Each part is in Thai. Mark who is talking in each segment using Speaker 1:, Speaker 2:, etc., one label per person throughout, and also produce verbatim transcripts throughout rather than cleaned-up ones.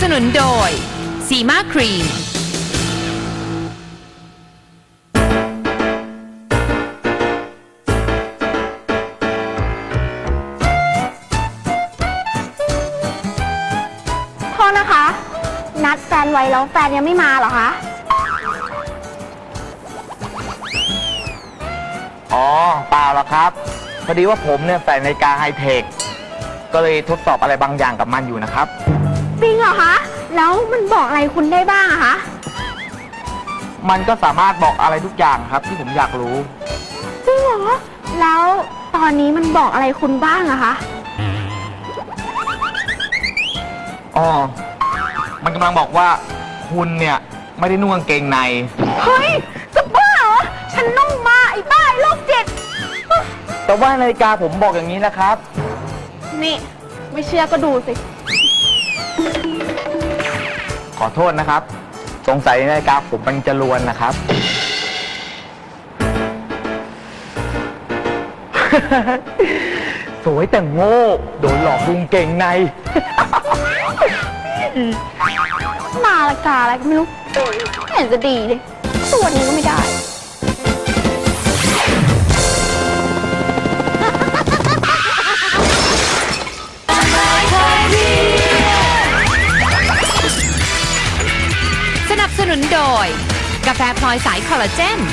Speaker 1: สนุนโดยซีมาครีม
Speaker 2: โทษนะคะ นัดแฟนไว้แล้วแฟนยังไม่มาเหรอคะ
Speaker 3: อ๋อเปล่าหรอกครับพอดีว่าผมเนี่ยใส่นาฬิกาไฮเทคก็เลยทดสอบอะไรบางอย่างกับมันอยู่นะครับ
Speaker 2: จริงเหรอคะ แล้วมันบอกอะไรคุณได้บ้างอะคะ
Speaker 3: มันก็สามารถบอกอะไรทุกอย่างครับที่ผมอยากรู้
Speaker 2: จริงเหรอ แล้วตอนนี้มันบอกอะไรคุณบ้างอะคะ
Speaker 3: อ๋อมันกำลังบอกว่าคุณเนี่ยไม่ได้นุ่งกางเกงใน
Speaker 2: เฮ้ย จะบ้าเหรอ ฉันนุ่งมาไอ้บ้าไอ้โรคจิต
Speaker 3: แต่ว่านาฬิกาผมบอกอย่างนี้นะครับ
Speaker 2: นี่ ไม่เชื่อก็ดูสิ
Speaker 3: ขอโทษนะครับ สงสัยนาฬิกาผมมันจะลวนนะครับ สวยแต่โง่โดนหลอกดุงเก่งใน
Speaker 2: มาละกาอะไรก็ไม่รู้ไม่เห็นจะดีเลยตัวนี้ก็ไม่ได้
Speaker 1: สนับสนุนโดยกาแฟพลอยสายคอลลาเจน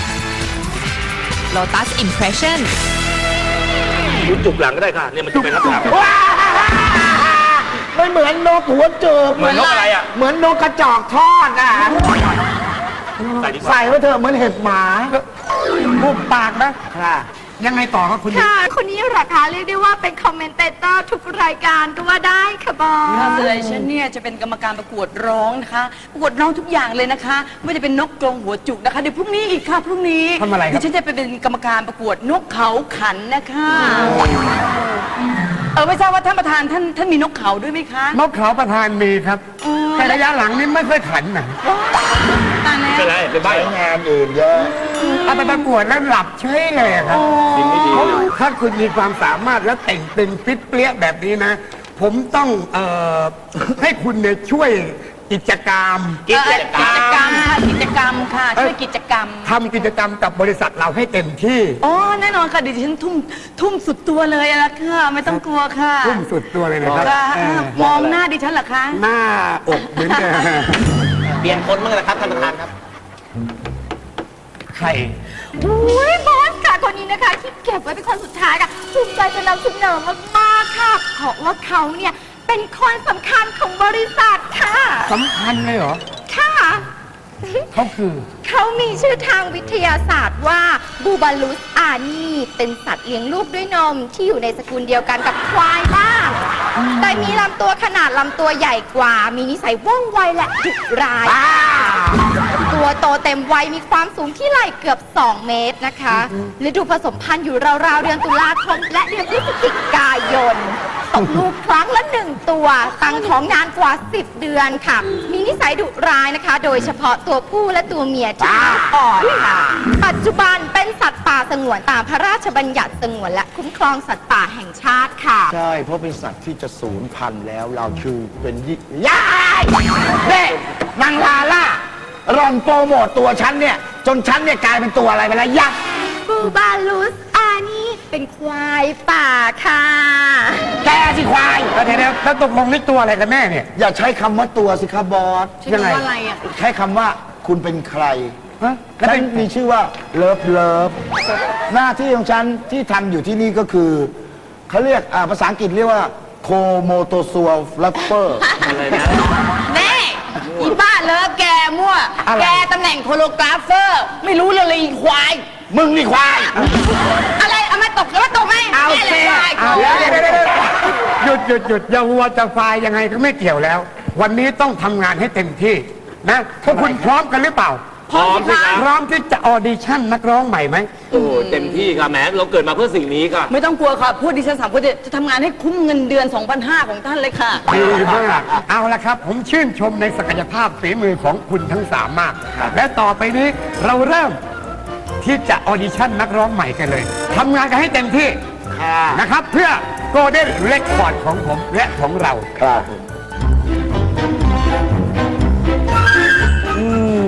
Speaker 1: Lotus Impression
Speaker 4: คุณจุกหลังก็ได้ค่ะเนี่ยมันจะเป็นลักษณะแบบ
Speaker 5: ไม่เหมือนนกหัวจืด
Speaker 4: เหมือนนกอะไรอ่ะ
Speaker 5: เหมือนนกกระจอกทอดอ่ะ
Speaker 4: ใส่ดีกว่า
Speaker 5: ใส่ไว้เถอะเหมือนเห็บหมาบุบปากนะค่ะ ยังไงต่อครับคุณ
Speaker 2: ค่ะ คนนี้ราคาเรียกได้ว่าเป็นคอมเมนเตเตอร์ทุกรายการก็ว่าได้ค่ะบอส
Speaker 6: เลยฉันเนี่ยจะเป็นกรรมการประกวดร้องนะคะ ประกวดร้องทุกอย่างเลยนะคะ ไม่ได้เป็นนกกรงหัวจุกนะคะเดี๋ยวพรุ่งนี้อีกค่ะพรุ่งนี้
Speaker 5: ทำอะไรครับ
Speaker 6: เดี๋ยวฉันจะไปเป็นกรรมการประกวดนกเขาขันนะคะเออไม่ทราบว่าท่านประธานท่านท่านมีนกเขาด้วยไหมคะ
Speaker 5: นกเขาประธานมีครับ แต่ระยะหลังนี่ไม่ค่อยขันนะ
Speaker 6: ตายแล้ว
Speaker 4: เป็นไรเป็นใบเหรอง
Speaker 5: านอื่นเยอะเอาไปประกวดแล้วหลับเฉยเลยครับ
Speaker 4: สิ่งไม่ดีเลย
Speaker 5: ถ้าคุณมีความสามารถและแต่งตึงฟิตเปรี้ยแบบนี้นะ ผมต้องเอ่อ ให้คุณเนี่ยช่วยกิจกรรม
Speaker 6: กิจกรรมค่ะกิจกรรมค่ะช่วยกิจกรรม
Speaker 5: ทำกิจกรรมกับบริษัทเราให้เต็มที่
Speaker 6: อ๋อแน่นอนค่ะเดี๋ยวฉันทุ่มทุ่มสุดตัวเลยละค่ะไม่ต้องกลัวค่ะ
Speaker 5: ทุ่มสุดตัวเลยนะครับ
Speaker 6: ค่ะ
Speaker 5: เออ
Speaker 6: มองหน้าดิฉันเหรอคะ
Speaker 5: หน้าอกเหมือนเดิม
Speaker 4: เปลี่ยนคนบ้างนะครับท่านประธานครับ
Speaker 5: ใคร
Speaker 2: อุ้ยบอสค่ะคนนี้นะคะที่เก็บไว้เป็นคนสุดท้ายค่ะภูมิใจจะนำเสนอมากๆค่ะเพราะว่าเขาเนี่ยเป็นคนสำคัญของบริษัทค่ะ
Speaker 5: สำคัญเลยเหรอ
Speaker 2: ค่ะ
Speaker 5: เขาคือ
Speaker 2: เขามีชื่อทางวิทยาศาสตร์ว่าบูบาลุสอานีเป็นสัตว์เลี้ยงลูกด้วยนมที่อยู่ในสกุลเดียวกันกับควายบ้าง แต่มีลำตัวขนาดลำตัวใหญ่กว่า มีนิสัยว่องไวและดุร้าย ตัวโตเต็มวัยมีความสูงที่ไหล่เกือบ สอง เมตรนะคะฤดูผสมพันธุ์อยู่ราวๆเดือนตุลาคมและเดือนพฤศจิกายนตกลูกครั้งละหนึ่งตัวตั้งท้องนานกว่า สิบ เดือนค่ะ มีนิสัยดุร้ายนะคะ โดยเฉพาะตัวผู้และตัวเมียที่อ่อนค่ะ ปัจจุบันเป็นสัตว์ป่าสงวนตามพระราชบัญญัติสงวนและคุ้มครองสัตว์ป่าแห่งชาติค่ะ
Speaker 7: ใช่ เพราะเป็นสัตว์ที่จะสูญพันธุ์แล้วเราคือเป็นยิ่ง
Speaker 5: ยายเด็นางลาล่าร่อนโปรโมตตัวฉันเนี่ย จนฉันเนี่ยกลายเป็นตัวอะไรไปแล้วยักษ์
Speaker 2: บูบาลุสอานี่เป็นควายป่าค่ะ
Speaker 5: แกสิควายเดี๋ยวๆแล้วตกลงนี่ตัวอะไรกันแน่เนี่ย
Speaker 7: อย่าใช้คำว่าตัวสิครับบอส
Speaker 5: ยังไง
Speaker 6: อะไรอ่ะ
Speaker 7: ใช้คำว่าคุณเป็นใคร
Speaker 5: ฮะแล้ว
Speaker 7: ฉั
Speaker 5: เป็น
Speaker 7: นมีชื่อว่าเลิฟเลิฟหน้าที่ของฉันที่ทำอยู่ที่นี่ก็คือเขาเรียกอ่าภาษาอังกฤษเรียกว่าโคโมโตซัวฟลัฟเฟอร์
Speaker 4: อะไรนะ
Speaker 6: แน่อีบ้าเลิฟแกมั่ว แกตำแหน่งโคโลกราฟเฟอร์ ไม่รู้เลยเลยอีควาย
Speaker 5: มึงนี่ควาย
Speaker 6: อะไรเอามาตกแล้วมาตกไหม
Speaker 5: เอา
Speaker 6: แม่เล
Speaker 5: สิ
Speaker 6: ยควาย
Speaker 5: เอาเดี๋ยวเดี๋ยวเดี๋ยวหยุดหยุดหยุดอย่าวัวจะควายยังไงก็ไม่เกี่ยวแล้ว วันนี้ต้องทำงานให้เต็มที่นะพวกคุณพร้อมกันหรือเปล่า
Speaker 4: พร้อมสิครับ
Speaker 5: พร้อมที่จะออดิชั่นนักร้องใหม่ไหม
Speaker 4: โอ้โหเต็มที่ค่ะแหมเราเกิดมาเพื่อสิ่งนี้ค่ะ
Speaker 6: ไม่ต้องกลัวค่ะพูดดิฉันสามคนจะทำงานให้คุ้มเงินเดือน สองพันห้าร้อย ของท่านเลยค่ะ
Speaker 5: ดีมากเอาละครับ ผมชื่นชมในศักยภาพฝีมือของคุณทั้งสามมาก และต่อไปนี้เราเริ่มที่จะออดิชั่นนักร้องใหม่กันเลยทำงานกันให้เต็มที่นะครับ เพื่อโกลเด้นเรคคอร์ดของผมและของเรา
Speaker 7: ครับ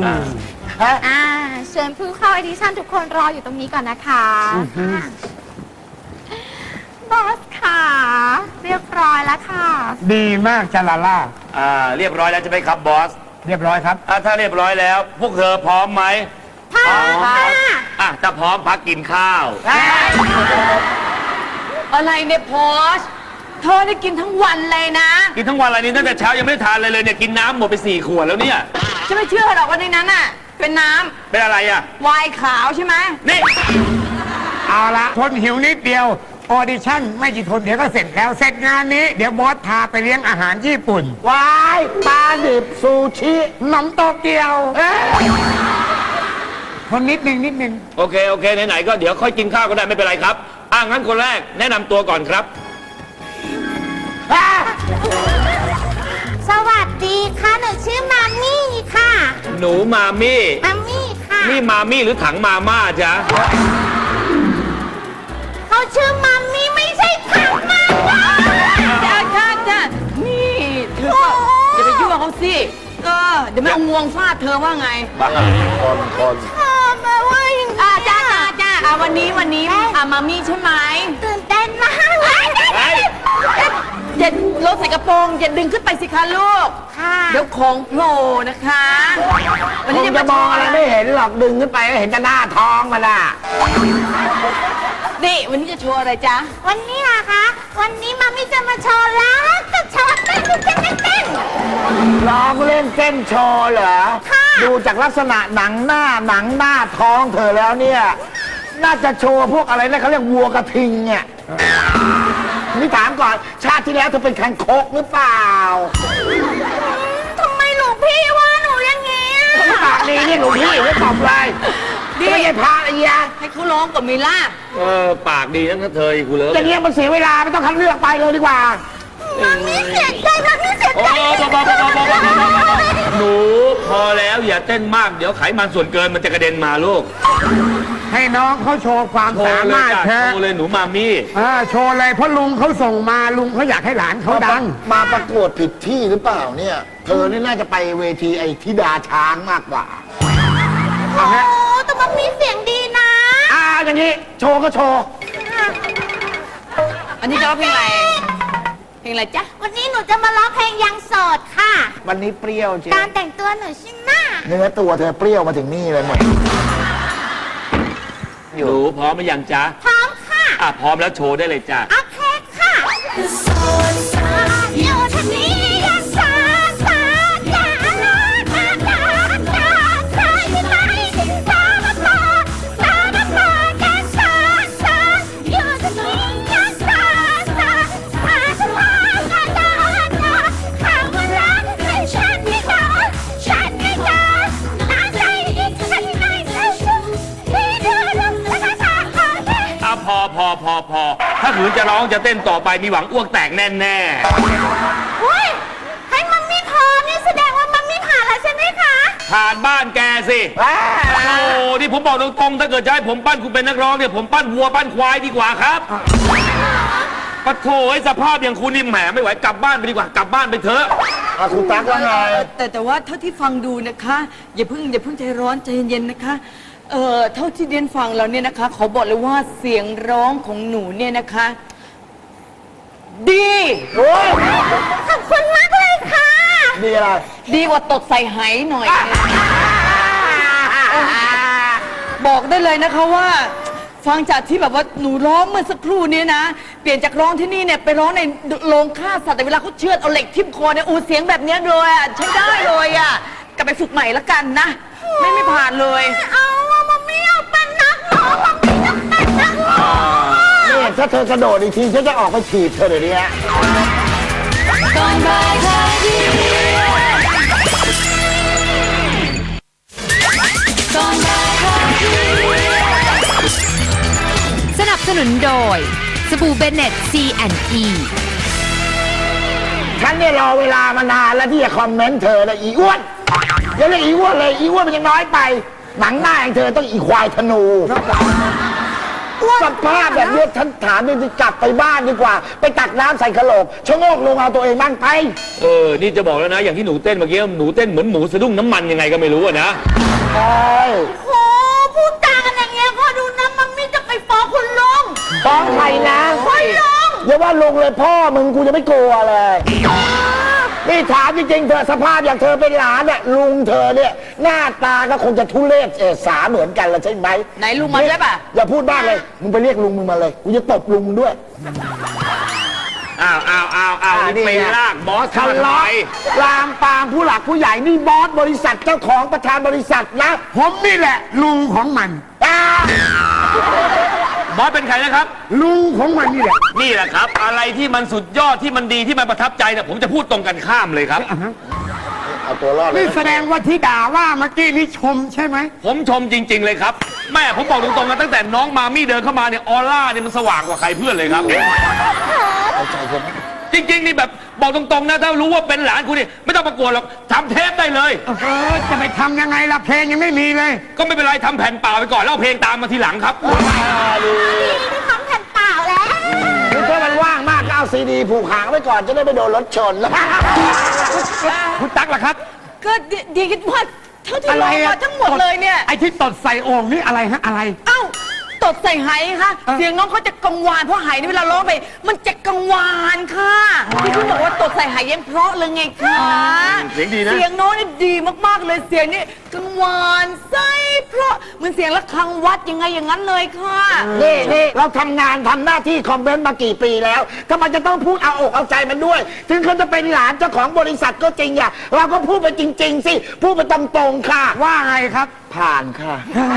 Speaker 2: อ่าเชิญผู้เข้าออดิชั่นทุกคนรออยู่ตรงนี้ก่อนนะคะบอสค่ะ เรียบร้อยแล้วค่ะ
Speaker 5: ดีมากจาลาล่า
Speaker 4: อ่า เรียบร้อยแล้วจะไหมครับบอส
Speaker 5: เรียบร้อยครับ
Speaker 4: อ่าถ้าเรียบร้อยแล้ว พวกเธอพร้อมไหม
Speaker 2: พร้อมค่ะ
Speaker 4: อ่ะถ้าพร้อมพักกินข้าว
Speaker 6: อะไรเนี่ยพอสเธอได้กินทั้งวันเลยนะ
Speaker 4: กินทั้งวันอะไรนี้ตั้งแต่เช้ายังไม่ได้ทานเลยเลยเนี่ยกินน้ำหมดไปสี่ขวดแล้วเนี่ย
Speaker 6: ฉันไม่เชื่อหรอกว่าในนั้นน่ะ เป็นน้
Speaker 4: เป็นอะไรอ่ะ
Speaker 6: ำไวน์ขาวใช่ไหม
Speaker 4: นี่
Speaker 5: เอาละทนหิวนิดเดียวออดิชั่นไม่กี่ทนเดี๋ยวก็เสร็จแล้วเสร็จงานนี้เดี๋ยวบอสพาไปเลี้ยงอาหารญี่ปุ่น
Speaker 7: วายปลาดิบซูชิ
Speaker 5: หนมโตเกียวทนนิดนึงนิดนึง
Speaker 4: โอเคโอเคไหนๆก็เดี๋ยวค่อยกินข้าวก็ได้ไม่เป็นไรครับอ่ะงั้นคนแรกแนะนำตัวก่อนครับ
Speaker 2: สวัสดีค่ะหนูชื่อมามี่ค่ะ
Speaker 4: หนูมามี่
Speaker 2: มามี่ค่ะ
Speaker 4: นี่มามี่หรือถังมาม่าจ๊ะ
Speaker 2: เขาชื่อมามี่ไม่ใช่ถังมาม่า
Speaker 6: จ้าจ้าจ้านี่เธอก็อย่าไปยั่วเขาสิเออเดี๋ยวไม่เอางวงฟาดเธอว่าไง
Speaker 4: บังอ่ะ
Speaker 7: คนคน
Speaker 2: ชอบมาว่าอย่าง
Speaker 6: อ่าจ้าจ้าจ้าอ่าวันนี้วันนี้อ่ามามี่ใช่ไหม
Speaker 2: ตื่นเต้นมากเลย
Speaker 4: เฮ้ย
Speaker 6: อย่าลดใส่กระโปรงอย่าดึงขึ้นไปสิคะลูก
Speaker 2: ค่ะ
Speaker 6: เดี๋ยวของโผล่นะคะ วัน
Speaker 7: ค
Speaker 6: นี้
Speaker 7: ง
Speaker 6: จะ
Speaker 7: จะ
Speaker 6: มาม
Speaker 7: องอะไรไม่เห็นหรอกดึงขึ้นไปก็เห็นแต่หน้าท้องมันอ่ะ
Speaker 6: นี่วันนี้จะโชว์อะไรจ๊ะ
Speaker 2: วันนี้เหรอคะ วันนี้มามี่จะมาโชว์แล้วจะโชว์เต้นเต้นเต้นเต้น
Speaker 7: ร้องเล่นเต้นโชว์เหรอ
Speaker 2: ค่ะ
Speaker 7: ดูจากลักษณะหนังหน้าหนังหน้าท้องเธอแล้วเนี่ย น่าจะโชว์พวกอะไรนะเขาเรียกวัวกระทิงเนี่ยนี่ถามก่อนชาติที่แล้วเธอเป็นคังคกหรือเปล่า
Speaker 2: ทำไมหลวงพี่ว่าหนูอย่างนี้อะ
Speaker 7: ปากดีนี่หลวงพี่ไม่ตอบเลยจะไม่ใช่พระอะไรเงี้ย
Speaker 6: ให้เขาร้องกับมิล่า
Speaker 4: เออปากดีทั้งเธออีกกูเลย
Speaker 7: อย่างเงี้ยมันเสียเวลาไม่ต้องคัดเลือกไปเลยดีกว่า
Speaker 2: มามี่เสียใจมามี่เสีย
Speaker 4: โอ้
Speaker 2: ใจ
Speaker 4: พอพอพอพอพอพอพอหนูพอแล้วอย่าเต้นมากเดี๋ยวไขมันส่วนเกินมันจะกระเด็นมาลูก
Speaker 5: ให้น้องเขาโชว์ความ
Speaker 4: โช
Speaker 5: สา
Speaker 4: ว์เลย
Speaker 5: มารถ
Speaker 4: จ้ะ
Speaker 5: เธอ
Speaker 4: โชว์เลยหนูมามี่
Speaker 5: อ่าโชว์เลยเพราะลุงเขาส่งมาลุงเขาอยากให้หลานเขาดัง
Speaker 7: มาประกวดผิดที่หรือเปล่าเนี่ย เธอนี่น่าจะไปเวทีไอ้ธิดาช้างมากกว่า
Speaker 2: โอ้แต่มามี่เสียงดีนะ
Speaker 7: อ่าอย่างนี้โชว์ก็โชว์
Speaker 6: อันนี้จะร้องเพลงอะไร เพลงอะไรจ๊ะ
Speaker 2: วันนี้หนูจะมาร้องเพลงยังโสดค่ะ
Speaker 7: วันนี้เปรี้ยวจริง
Speaker 2: การแต่งตัวหนูชิหน้า
Speaker 7: เนื้อตัวเธอเปรี้ยวมาถึงนี่เลยหมด
Speaker 4: หนูพร้อมหรือยังจ๊ะ
Speaker 2: พร้อมค่ะ
Speaker 4: อ่ะพร้อมแล้วโชว์ได้เลยจ้ะ
Speaker 2: โอเคค่ะโสดสาอยู่ทางนี้ยังสาสาสาลาสาสาสาสาที่ไหนสามาสาสามาสาแค่สาสาอยู่ทางนี้ยังสาสาสาสาสาสาสาคำว่ารักให้ฉันไม่ได้ฉันไม่ได้น่าใจอีกฉันไม่ได้ที่เดือดร้อนและสาสา
Speaker 4: อ่ะพอพอพอพอถ้าขืนจะร้องจะเต้นต่อไปมีหวังอ้วกแตกแน่แน่
Speaker 2: อุ้ยให้มันไม่พอนี่แสดงว่ามันไม่ผ่านแล้วใช่ไหมคะ
Speaker 4: ๆผ่านบ้านแกสิโอ้นี่ผมบอกตรงๆถ้าเกิดจะให้ผมปั้นคุณเป็นนักร้องเนี่ยผมปั้นวัวปั้นควายดีกว่าครับปะโถไอ้สภาพอย่างคุณนี่แหมไม่ไหวกลับบ้านไปดีกว่ากลับบ้านไปเถอะ
Speaker 7: อ่ะคุณตั๊กว่าไง
Speaker 6: แต่แต่ว่าเท่าที่ฟังดูนะคะ อย่าเพิ่งอย่าเพิ่งใจร้อนใจเย็นๆนะคะ เอ่อเท่าที่เรียนฟังแล้วเนี่ยนะคะขอบอกเลยว่าเสียงร้องของหนูเนี่ยนะคะ ดี
Speaker 7: โอ้ย
Speaker 2: ขอบคุณมากเลยค่ะ
Speaker 7: ดีอะไร
Speaker 6: ดีกว่าตดใส่ไหหน่อยนึงบอกได้เลยนะคะว่า ฟังจากที่แบบว่าหนูร้องเมื่อสักครู่เนี้นะ เปลี่ยนจากร้องที่นี่เนี่ยไปร้องในโรงฆ่าสัตว์แต่เวลาเขาเชือดเอาเหล็กทิ่มคอเนี่ยอูเสียงแบบเนี้ยเลยอ่ะใช้ได้เลยอ่ะกลับไปฝึกใหม่ละกันนะ ไม่ไม่ผ่านเลย
Speaker 2: เอาว่ามันไม่เอาเป็นนักร้องมันไม่ต้องเป็นนักร้อง
Speaker 7: นี่ถ้าเธอกระโดดอีกทีฉันจะออกไปถีบเธอเดี๋ยวนี้ฮะ
Speaker 1: ก่อนบ่ายคลายเครียดก่อนบ่ายคลายเครียดสนับสนุนโดยสบู่เบเน็ต ซี แอนด์ อี
Speaker 7: ฉันเนี่ยรอเวลามานานแล้วที่จะคอมเมนต์เธอเลยอีอ้วนอย่าเรียกอีอ้วนเลยอีอ้วนมันยังน้อยไป หนังหน้าอย่างเธอต้องอีควายธนูสภาพแบบเนี้ยฉันถามจริงๆกลับไปบ้านดีกว่า ไปตักน้ำใส่กระโหลกชะโงกลงเอาตัวเองบ้างไป
Speaker 4: เออ นี่จะบอกแล้วนะ อย่างที่หนูเต้นเมื่อกี้ หนูเต้นเหมือนหมูสะดุ้งน้ำมันยังไงก็ไม่รู้อะนะ
Speaker 7: ใช่
Speaker 6: โอ้พูดจากันอย่างเงี้ยพ่อดูนะมันไม่จะไปฟ้องคุณลุง
Speaker 7: ฟ้องใครนะ
Speaker 6: คุณลุง
Speaker 7: อย่าว่าลงเลยพ่อมึงกูจะไม่กลัวเลย นี่ถามจริงๆเธอสภาพอย่างเธอเป็นหลานเนี่ยลุงเธอเนี่ยหน้าตาก็คงจะทุเรศเอสาเหมือนกันละใช่ไหม
Speaker 6: ไหนลุงมาได้ปะ
Speaker 7: อย่าพูดบ้างเลย มึงไปเรียกลุงมึงมาเลยกูจะตบลุงมึงด้วย
Speaker 4: อ้าวอ้าวอ้าวอ้าวนี่ไปลากบอส
Speaker 7: ทะ
Speaker 4: ทำไม
Speaker 7: เลาะลามปามผู้หลักผู้ใหญ่นี่บอสบริษัทเจ้าของประธานบริษัทนะ
Speaker 5: ผมนี่แหละลุงของมัน
Speaker 7: อ่า
Speaker 4: บอสเป็นใครนะครับ
Speaker 5: ลุงของมันนี่แหละ
Speaker 4: นี่แหละครับ อะไรที่มันสุดยอดที่มันดีที่มันประทับใจเนี่ยผมจะพูดตรงกันข้ามเลยครับ
Speaker 7: เอาตัวรอดเลย
Speaker 5: นี่
Speaker 7: นะ
Speaker 5: แสดงว่าที่ด่าว่าเมื่อกี้นี่ชมใช่ไหม
Speaker 4: ผมชมจริง ๆ เลยครับ แม่ผมบอกตรงๆกันตั้งแต่น้องมามี่เดินเข้ามาเนี่ยออร่าเนี่ยมันสว่างกว่าใครเพื่อนเลยครับ จริงๆนี่แบบบอกตรงๆนะถ้ารู้ว่าเป็นหลานคุณนี่ไม่ต้องประกวดหรอกทำเทปได้เลย
Speaker 5: เออจะไปทำยังไงล่ะเพลงยังไม่มีเลย
Speaker 4: ก็ไม่เป็นไรทำแผ่นเปล่าไปก่อนแล้วเอาเพลงตามมาทีหลังครับ
Speaker 2: นี่ทำแผ่นเปล่าแล้ว
Speaker 7: นี่ถ้ามันว่างมากก็เอาซีดีผูกหางไว้ก่อนจะได้ไม่โดนรถชน
Speaker 5: คุณตั๊กล่ะครับ
Speaker 6: ก็ดีดีคิดว่าเท่าที่
Speaker 5: อะไร
Speaker 6: ร้อง
Speaker 5: อะ
Speaker 6: มาทั้งหมดเลยเนี่ย
Speaker 5: ไอ้ที่ตดใส่โอ่งนี่อะไรฮะอะไร
Speaker 6: เอ้าตดใส่ไหค่ะ
Speaker 5: เอ้า
Speaker 6: เสียงน้องเขาจะกังวานเพราะไหนี่เวลาร้องไปมันจะกังวานค่ะที่คุณบอกว่าตดใส่ไหยังเพราะเลยไงคะ
Speaker 4: เสียงดีนะ
Speaker 6: เสียงน้องนี่ดีมากๆเลยเสียงนี่กังวานใสเพราะเหมือนเสียงระฆังวัดยังไงอย่างนั้นเลยค่ะ
Speaker 7: นี่นี่เราทำงานทำหน้าที่คอมเมนต์มากี่ปีแล้วทำไมจะต้องพูดเอาอกเอาใจมันด้วย ถึงเขาจะเป็นหลานเจ้าของบริษัทก็จริงอะเราก็พูดไปจริง ๆ สิ พูดไปตรงๆค่ะ
Speaker 5: ว่าไงครับ
Speaker 7: ผ่านค่ะ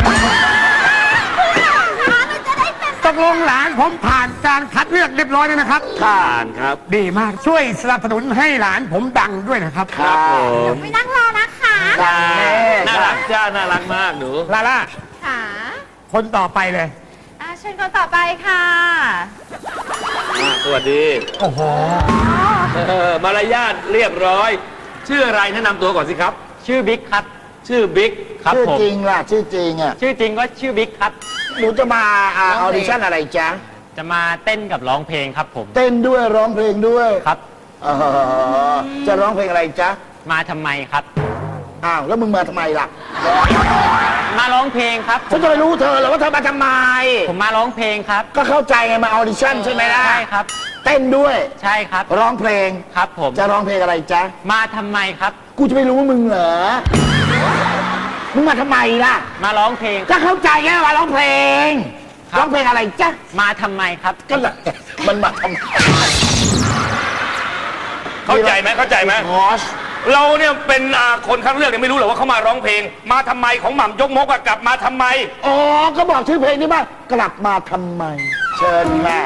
Speaker 5: ตกลงหลานผมผ่านการคัดเลือกเรียบร้อยแล้วนะครับ
Speaker 7: ผ่า
Speaker 4: อ่าน นครับ
Speaker 5: ดีมากช่วยสนับสนุนให้หลานผมดังด้วยนะครับ
Speaker 4: ครับผม
Speaker 2: ไม่นั่งรอนะคะ
Speaker 7: ดังแน่
Speaker 4: น่ารักจ้าน่ารักมากหนู
Speaker 5: ลาล่า
Speaker 2: ค่ะ
Speaker 5: คนต่อไปเลย
Speaker 2: อ่ะเชิญคนต่อไปค่ะ
Speaker 4: อ่ะสวัสดี
Speaker 5: โอ้โห
Speaker 4: เออมารยาทเรียบร้อย ชื่ออะไรแนะนำตัวก่อนสิครับ
Speaker 8: ชื่อบิ๊กครับ
Speaker 4: ชื่อบิ๊ก
Speaker 8: ครับ
Speaker 7: ชื่อ
Speaker 8: ผม
Speaker 7: จริงล่ะ ชื่อจริงอะ
Speaker 8: ชื่อจริงก็ชื่อบิ๊กครับ
Speaker 7: หนูจะมาอาออดิชั่นอะไรจ๊ะ
Speaker 8: จะมาเต้นกับร้องเพลงครับผม
Speaker 7: เต้นด้วยร้องเพลงด้วย
Speaker 8: ครับ
Speaker 7: อ๋อจะร้องเพลงอะไรจ๊ะ
Speaker 8: มาทำไมครับ
Speaker 7: อ้าวแล้วมึงมาทำไมล่ะ
Speaker 8: มาร้องเพลงครับ
Speaker 7: ฉันจะไปรู้เธอเหรอว่าเธอมาทำไม
Speaker 8: ผมมาร้องเพลงครับ
Speaker 7: ก็เข้าใจไงมาออดิชั่นใช่ไหมล่ะ
Speaker 8: ใช่ครับ
Speaker 7: เต้นด้วย
Speaker 8: ใช่ครับ
Speaker 7: ร้องเพลง
Speaker 8: ครับผม
Speaker 7: จะร้องเพลงอะไรจ๊ะ
Speaker 8: มาทำไมครับ
Speaker 7: กูจะไปรู้ว่ามึงเหรอ มึงมาทำไมล่ะ
Speaker 8: มาร้องเพลง
Speaker 7: ก็เข้าใจไงว่าร้องเพลง
Speaker 8: ครับ
Speaker 7: ร้องเพลงอะไรจ๊ะ
Speaker 8: มาทำไมครับ
Speaker 7: ก็แหละมันมาทำไม
Speaker 4: เข้าใจไหมเข้าใจไหม
Speaker 7: งอส
Speaker 4: เราเนี่ยเป็นอ่าคนข้างเลือกเนี่ยไม่รู้หรอกว่าเขามาร้องเพลง มาทำไมของหม่ำยกมกอะกลับมาทำไม
Speaker 7: อ๋อ ก็บอกชื่อเพลงนี้ว่ากลับมาทำไม เชิญแม่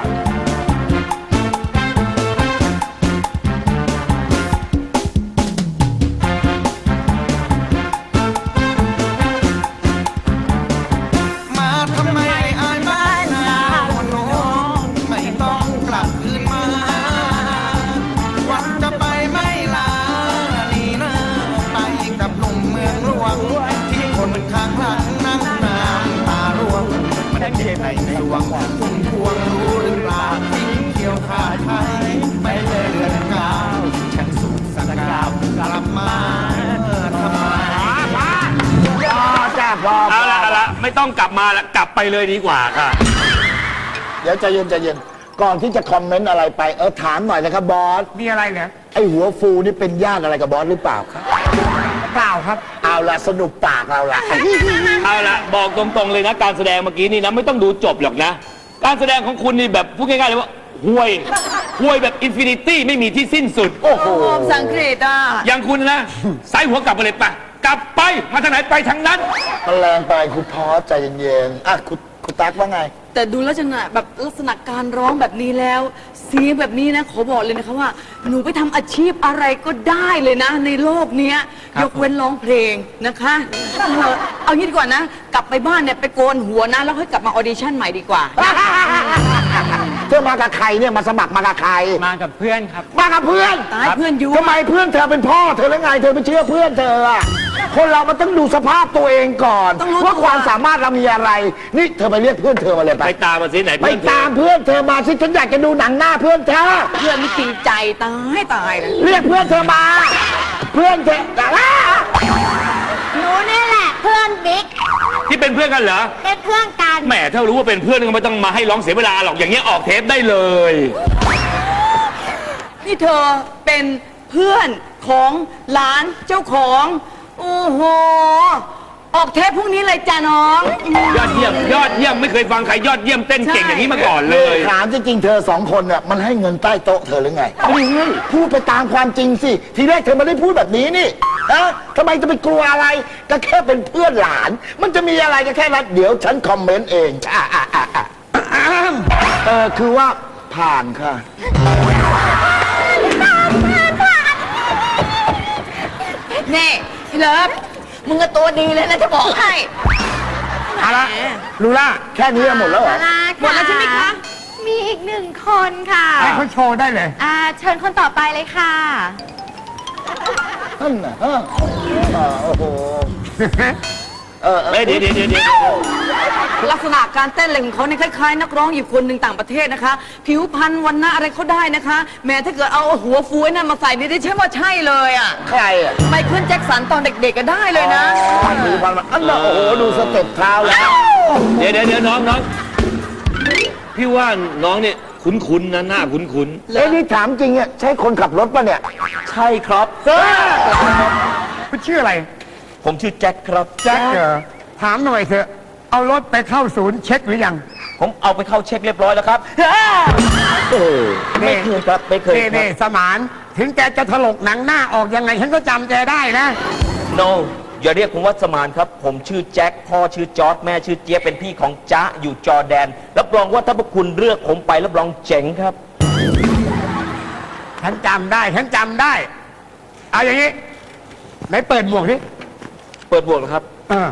Speaker 9: มาทำไมอายบ้านนาโน้ไม่ต้องกลับคืนมา วันจะไปไม่ลานี่นะไปกับหนุ่มเมืองหลวง ที่คนข้างหลังนั่งน้ำตาร่วง มันเจ็บในสวงคุณพวงรู้หรือเปล่าทิ้งเกี่ยวขาดไทยไปเลยเดือนเก้าฉันสุขสันต์กาวกลับมาทำไม
Speaker 7: พอจ้าพอ
Speaker 4: เอาละเอาละไม่ต้องกลับมาละกลับไปเลยดีกว่าค่ะ
Speaker 7: เดี๋ยวใจเย็นใจเย็น ก่อนที่จะคอมเมนต์อะไรไป เออถามหน่อยนะครับบอส
Speaker 5: มีอะไรเหรอ
Speaker 7: ไอหัวฟูนี่เป็นญาติอะไรกับบอสหรือเปล่าครับ
Speaker 5: เปล่าครับ
Speaker 7: เอาละสนุกปากเราละ
Speaker 4: เอาละบอกตรงๆเลยนะการแสดงเมื่อกี้นี่นะไม่ต้องดูจบหรอกนะ การแสดงของคุณนี่แบบพูดง่ายๆเลยว่าห่วยห่วยแบบอินฟินิตี้ไม่มีที่สิ้นสุด
Speaker 7: โอ้โห
Speaker 6: โอ้สังเกตอ่ะ
Speaker 4: อย่างคุณนะสายหัวกลับไปเลยปะกลับไปมาทางไหนไปทางนั้น
Speaker 7: มันแรงไปคุณพอสใจเย็นๆอ่ะคุณคุณตั๊กว่าไง
Speaker 6: แต่ดูลักษณะแบบลักษณะการร้องแบบนี้แล้ว เสียงแบบนี้นะขอบอกเลยนะคะว่า หนูไปทำอาชีพอะไรก็ได้เลยนะ ในโลกเนี้ยยกเว้นร้องเพลงนะคะเออเอางี้ดีกว่านะ กลับไปบ้านเนี่ยไปโกนหัวนะ แล้วค่อยกลับมาออดิชั่นใหม่ดีกว่า
Speaker 7: เธอมากับใครเนี่ยมาสมัครมากับใคร
Speaker 8: มากับเพื่อนครับ
Speaker 7: มากับเพื่อน
Speaker 6: ตายเพื่อนยุ
Speaker 7: ทำไมเพื่อนเธอเป็นพ่อเธอแล้วไงเธอไปเชื่อเพื่อนเธออะคคนเรามันต้องดูสภาพตัวเองก่อน
Speaker 6: ต้องรู้
Speaker 7: ว่า
Speaker 6: ตัว
Speaker 7: ความสามารถเรามีอะไร นี่เธอไปเรียกเพื่อนเธอมาเลยไป
Speaker 4: ไปตามมาสิไหน
Speaker 7: ไป
Speaker 4: เพื่อนเธอ
Speaker 7: ตามเพื่อนเธอมาสิฉันอยากจะดูหนังหน้าเพื่อนเธอ
Speaker 6: เพื่อนไม่จริงใจตายตายเลย
Speaker 7: เรียกเพื่อนเธอมา เพื่อนเธออ่ะ
Speaker 2: หนูนี่แหละเพื่อนบิ๊ก
Speaker 4: ที่เป็นเพื่อนกันเหรอ
Speaker 2: เป็นเพื่อนกัน
Speaker 4: แหมถ้ารู้ว่าเป็นเพื่อนก็ไม่ต้องมาให้ร้องเสียเวลาหรอกอย่างเงี้ยออกเทปได้เลย
Speaker 6: นี่เธอเป็นเพื่อนของหลานเจ้าของโอ้โหออกเทปพรุ่งนี้เลยจ้ะน้อง
Speaker 4: ยอดเยี่ยมยอดเยี่ยมไม่เคยฟังใครยอดเยี่ยมเต้นเก่งอย่างนี้มาก่อนเลย
Speaker 7: ถามจริงๆเธอสองคนเนี่ยมันให้เงินใต้โต๊ะเธอหรือไงไม่ให้พูดไปตามความจริงสิ ทีแรกเธอไม่ได้พูดแบบนี้นี่ฮะทำไมจะไปกลัวอะไร ก็แค่เป็นเพื่อนหลาน มันจะมีอะไรก็แค่นั้นเดี๋ยวฉันคอมเมนต์เองอ่ะอ่ะอ่ะอ่ะเออคือว่าผ่านค่ะ
Speaker 6: นี่พี่เลิฟมึงก็ตัวดีเลยนะจะบอกให้
Speaker 7: เอาละลูล่าแค่นี้หมดแล้วเหรอ
Speaker 6: หมดแล้วใช่ไหมคะ
Speaker 2: มีอีกหนึ่งคนค่ะ
Speaker 5: ให้เขาโชว์ได้เลย
Speaker 2: อ่าเชิญคนต่อไปเลยค่ะ
Speaker 7: นั่นน่ะฮะอ่าโอ้โห เออเออ
Speaker 4: เฮ้ยเดี๋ยวเดี๋ยวเดี๋ยวเดี๋ยว
Speaker 6: ลักษณะการเต้นอะไรของเขาเนี่ยคล้ายๆ นักร้องอยู่คนหนึ่งต่างประเทศนะคะ ผิวพรรณวันหน้าอะไรเขาได้นะคะ แม้ถ้าเกิดเอาหัวฟูไอ้นั่นมาใส่นี่ได้ใช่ว่าใช่เลยอ่ะ
Speaker 7: ใครอ่ะ
Speaker 6: ไมเคิลแจ็คสันตอนเด็กๆก็ได้เลยนะ
Speaker 7: พันมือพันมาอันน่ะโอ้โห ดูสเต็ปเท้าแล้ว
Speaker 4: เดี๋ยวเดี๋ยวเดี๋ยวน้องน้องพี่ว่าน้องเนี่ยคุ้นๆนะหน้าคุ้น
Speaker 7: เอ้ยนี่ถามจริงอ่ะใช่คนขับรถป่ะเนี่ย
Speaker 3: ใช่ครับ
Speaker 5: คุณชื่ออะไร
Speaker 3: ผมชื่อแจ็คครับ
Speaker 5: แจ็คเหรอถามหน่อยเถอะ เอารถไปเข้าศูนย์เช็คหรือยัง
Speaker 3: ผมเอาไปเข้าเช็คเรียบร้อยแล้วครับเออไม่เคยครับไม่เคย
Speaker 5: นี่
Speaker 3: ครั
Speaker 5: นี่
Speaker 3: บ
Speaker 5: สมาน ถึงแกจะถลกหนังหน้าออกยังไง ฉันก็จำแกได้นะ
Speaker 3: no อย่าเรียกผมว่าสมานครับ ผมชื่อแจ็คพ่อชื่อจอร์ดแม่ชื่อเจี๊ยบเป็นพี่ของจ๊ะอยู่จอร์แดนรับรองว่าถ้าพวกคุณเลือกผมไปรับรองเจ๋งครับ
Speaker 5: ฉันจำได้ ฉันจำได้ เอาอย่างนี้ไหนเปิดหมวกดิ
Speaker 3: เปิดบวกเหรอครับ
Speaker 5: เออ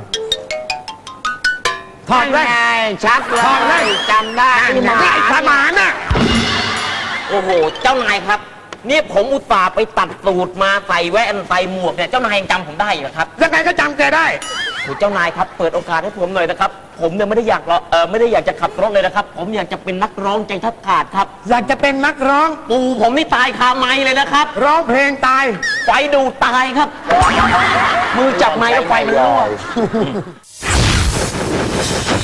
Speaker 5: ถอดเลย
Speaker 7: ชัดเล
Speaker 5: ถอดเลย
Speaker 7: ยจำได้
Speaker 5: นั่นไงไอ้สมานน่ะ
Speaker 3: โอ้โห เจ้านายครับ นี่ผมอุตส่าห์ไปตัดสูตรมาใส่แว่นใส่หมวกเนี่ยเจ้านายยังจำผมได้เหรอครับ
Speaker 5: ยังไงก็จำแกได้
Speaker 3: โอ้เจ้านายครับเปิดโอกาสให้ผมหน่อยนะครับ ผมเนี่ยไม่ได้อยากรอเออไม่ได้อยากจะขับรถเลยนะครับ ผมอยากจะเป็นนักร้องใจแทับขาดครับ
Speaker 5: อยากจะเป็นนักร้อง
Speaker 3: ปู่ผมนี่ตายคาไม้เลยนะครับ
Speaker 5: ร้องเพลงตาย
Speaker 3: ไฟดูดตายครับ มือจับไม้แล้วไฟมันรั่ว